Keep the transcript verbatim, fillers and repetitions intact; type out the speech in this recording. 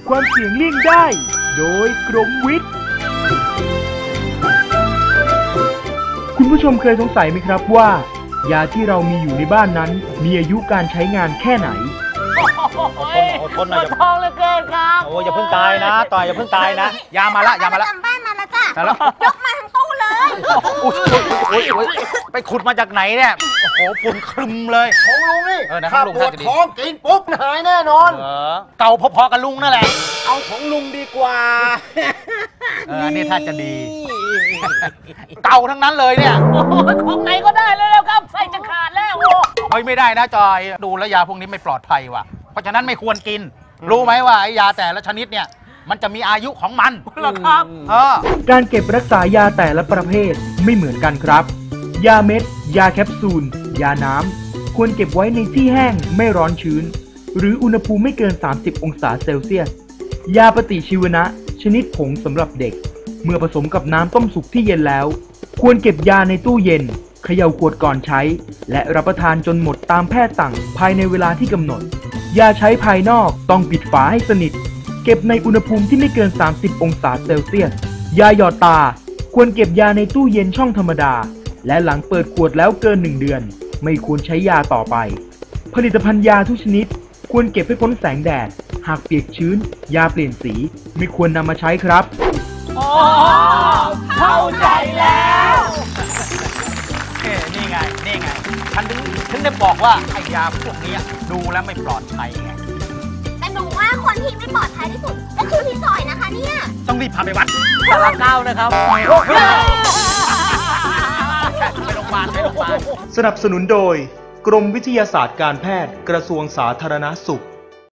ความเสี่ยงเลี่ยงได้โดยกรมวิทย์คุณผู้ชมเคยสงสัยไหมครับว่ายาที่เรามีอยู่ในบ้านนั้นมีอายุการใช้งานแค่ไหนอดทนอดทนหน่อยอย่าท้องเหลือเกินครับโอ้อย่าเพิ่งตายนะต่อยอย่าเพิ่งตายนะยามาละยามาละจำบ้านมาแล้วจ้ะแล้วยกมาทั้งตู้เลยไปขุดมาจากไหนเนี่ยโอ้โหฝุ่นคลึมเลยของลุงนี่ถ้าปวดท้องกินปุ๊บหายแน่นอนเก่าพอๆกับลุงนั่นแหละเอาของลุงดีกว่าเออนี่ถ้าจะดีเก่าทั้งนั้นเลยเนี่ยของไหนก็ได้แล้วครับใส่จะขาดแล้วโอ้ยไม่ได้นะจอยดูแลยาพวกนี้ไม่ปลอดภัยว่ะเพราะฉะนั้นไม่ควรกินรู้ไหมว่าไอ้ยาแต่ละชนิดเนี่ยมันจะมีอายุของมันเหรอครับการเก็บรักษายาแต่ละประเภทไม่เหมือนกันครับยาเม็ดยาแคปซูลยาน้ำควรเก็บไว้ในที่แห้งไม่ร้อนชื้นหรืออุณหภูมิไม่เกินสามสิบองศาเซลเซียสยาปฏิชีวนะชนิดผงสำหรับเด็กเมื่อผสมกับน้ำต้มสุกที่เย็นแล้วควรเก็บยาในตู้เย็นเขย่าขวดก่อนใช้และรับประทานจนหมดตามแพทย์สั่งภายในเวลาที่กำหนดยาใช้ภายนอกต้องปิดฝาให้สนิทเก็บในอุณหภูมิที่ไม่เกินสามสิบองศาเซลเซียสยาหยอดตาควรเก็บยาในตู้เย็นช่องธรรมดาและหลังเปิดขวดแล้วเกินหนึ่งเดือนไม่ควรใช้ยาต่อไปผลิตภัณฑ์ยาทุกชนิดควรเก็บให้พ้นแสงแดดหากเปียกชื้นยาเปลี่ยนสีไม่ควรนำมาใช้ครับอ๋อเข้าใจแล้วเอ้นี่ไงนี่ไงฉันถึงถึงได้บอกว่าไอ้ยาพวกนี้ดูแล้วไม่ปลอดภัยไงแต่หนูว่าคนที่ไม่ปลอดภัยที่สุดก็คือพี่จอยนะคะเนี่ยต้องรีบพาไปวัดสารเก้านะครับไปโรงพยาบาลไปโรงพยาบาลสนับสนุนโดยกรมวิทยาศาสตร์การแพทย์กระทรวงสาธารณสุข